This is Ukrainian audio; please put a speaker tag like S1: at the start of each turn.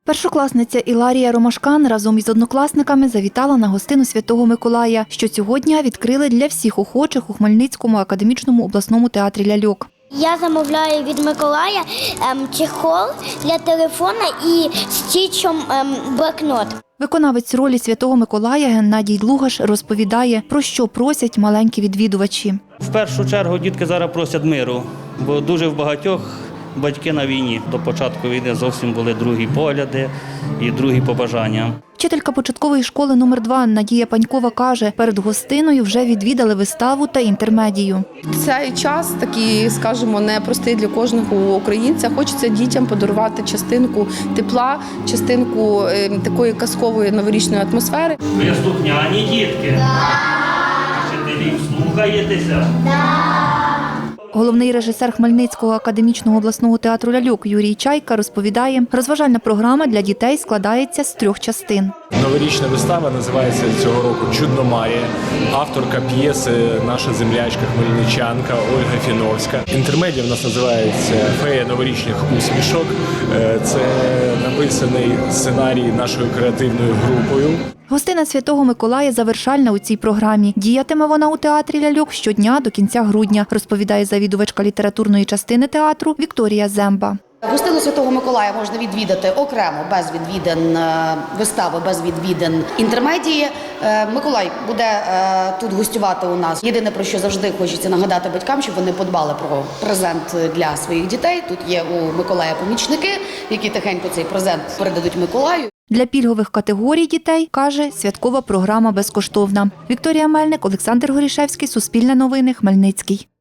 S1: Першокласниця Іларія Ромашкан разом із однокласниками завітала на гостину Святого Миколая, що цього дня відкрили для всіх охочих у Хмельницькому академічному обласному театрі ляльок.
S2: Я замовляю від Миколая чехол для телефона і стічом блокнот.
S1: Виконавець ролі Святого Миколая Геннадій Лугаш розповідає, про що просять маленькі відвідувачі.
S3: В першу чергу дітки зараз просять миру, бо дуже в багатьох батьки на війні. До початку війни зовсім були другі погляди і другі побажання.
S1: Вчителька початкової школи номер 2 Надія Панькова каже, перед гостиною вже відвідали виставу та інтермедію.
S4: Цей час такий, скажімо, непростий для кожного українця. Хочеться дітям подарувати частинку тепла, частинку такої казкової новорічної атмосфери.
S3: Ви слухняні дітки? Вчителів слухаєтеся?
S1: Головний режисер Хмельницького академічного обласного театру ляльок Юрій Чайка розповідає, розважальна програма для дітей складається з 3 частин.
S5: Новорічна вистава називається цього року «Чудно Марія». Авторка п'єси – наша землячка, хмельничанка Ольга Фіновська. Інтермедія в нас називається «Фея новорічних усмішок». Це написаний сценарій нашою креативною групою.
S1: Гостина Святого Миколая завершальна у цій програмі. Діятиме вона у театрі ляльок щодня до кінця грудня, розповідає завідувачка літературної частини театру Вікторія Земба.
S6: Гостину Святого Миколая можна відвідати окремо, без відвідин вистави, без відвідин інтермедії. Миколай буде тут гостювати у нас. Єдине, про що завжди хочеться нагадати батькам, щоб вони подбали про презент для своїх дітей. Тут є у Миколая помічники, які тихенько цей презент передадуть Миколаю.
S1: Для пільгових категорій дітей, каже, святкова програма безкоштовна. Вікторія Мельник, Олександр Горішевський, Суспільне новини, Хмельницький.